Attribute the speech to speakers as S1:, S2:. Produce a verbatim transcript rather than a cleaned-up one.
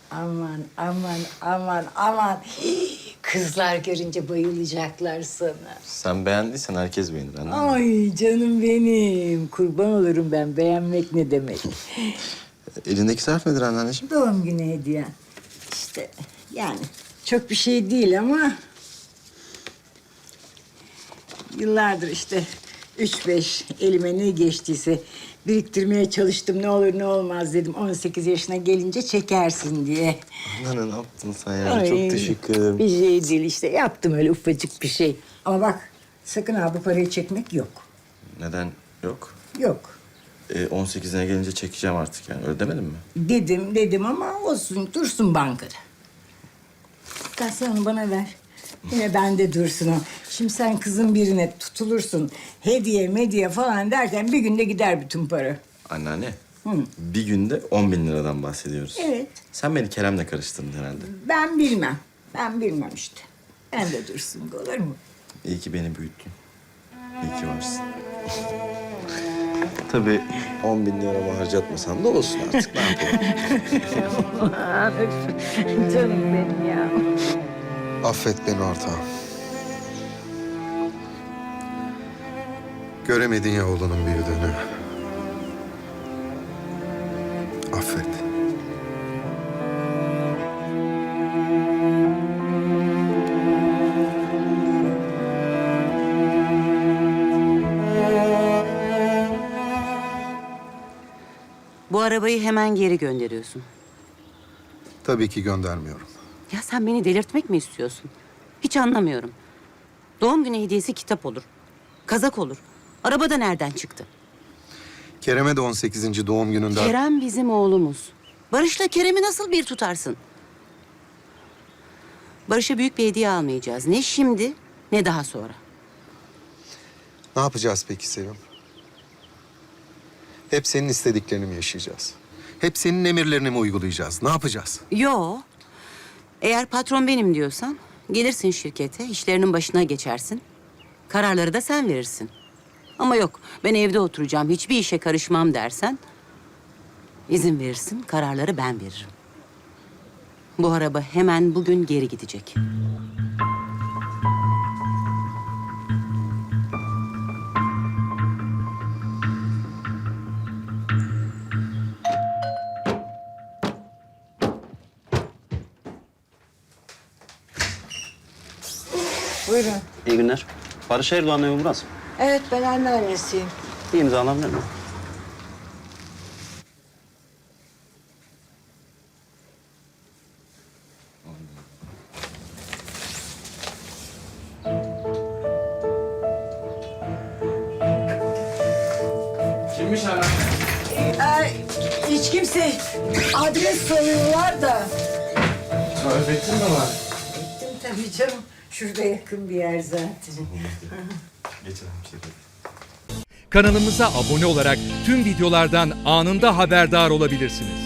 S1: Aman, aman, aman, aman. Kızlar görünce bayılacaklar sana.
S2: Sen beğendiysen herkes beğenir anladın mı?
S1: Ay canım benim. Kurban olurum ben. Beğenmek ne demek?
S2: Elindeki zarf nedir anneanneciğim?
S1: Doğum günü hediyen. İşte yani çok bir şey değil ama... Yıllardır işte üç beş elime ne geçtiyse biriktirmeye çalıştım. Ne olur ne olmaz dedim. on sekiz yaşına gelince çekersin diye.
S2: Anneanne ne yaptın sen ya?
S1: Ay,
S2: Çok teşekkür ederim.
S1: Bir şey değil işte. Yaptım öyle ufacık bir şey. Ama bak sakın ha bu parayı çekmek yok.
S2: Neden yok?
S1: Yok.
S2: Ee, on sekizine gelince çekeceğim artık yani. Öyle demedin mi?
S1: Dedim dedim ama olsun dursun bankada. Gel sen onu bana ver. Yine bende dursun o. Şimdi sen kızın birine tutulursun. Hediye medya falan derken bir günde gider bütün para.
S2: Anneanne. Bir günde on bin liradan bahsediyoruz.
S1: Evet.
S2: Sen beni Kerem'le karıştırdın herhalde.
S1: Ben bilmem. Ben bilmem işte. Bende dursun olur mu?
S2: İyi ki beni büyüttün. İyi ki varsın. Tabii on bin liramı harcatmasam da olsun artık. Ne yapalım?
S1: Canım benim ya.
S3: Affet beni ortağım. Göremedin ya oğlunun büyüdüğünü. Affet.
S4: Bu arabayı hemen geri gönderiyorsun.
S3: Tabii ki göndermiyorum.
S4: Ya sen beni delirtmek mi istiyorsun? Hiç anlamıyorum. Doğum günü hediyesi kitap olur. Kazak olur. Araba da nereden çıktı?
S3: Kerem'e de on sekizinci doğum gününde...
S4: Kerem bizim oğlumuz. Barış'la Kerem'i nasıl bir tutarsın? Barış'a büyük bir hediye almayacağız. Ne şimdi ne daha sonra.
S3: Ne yapacağız peki Sevim? Hep senin istediklerini mi yaşayacağız? Hep senin emirlerini mi uygulayacağız? Ne yapacağız?
S4: Yo. Eğer patron benim diyorsan gelirsin şirkete, işlerinin başına geçersin. Kararları da sen verirsin. Ama yok, ben evde oturacağım, hiçbir işe karışmam dersen... izin verirsin, kararları ben veririm. Bu araba hemen bugün geri gidecek.
S1: Buyurun.
S5: İyi günler. Barış Erdoğan evi burası.
S1: Evet ben anneannesiyim.
S5: Bir imza alabilir miyim?
S2: Kimmiş anneanne?
S1: Ee, hiç kimse adres soruyorlar da.
S2: Tarif ettin mi bana?
S1: Gittim tabii canım. Şurada yakın bir yer zaten.
S2: Geçelim şirkete.
S6: Kanalımıza abone olarak tüm videolardan anında haberdar olabilirsiniz.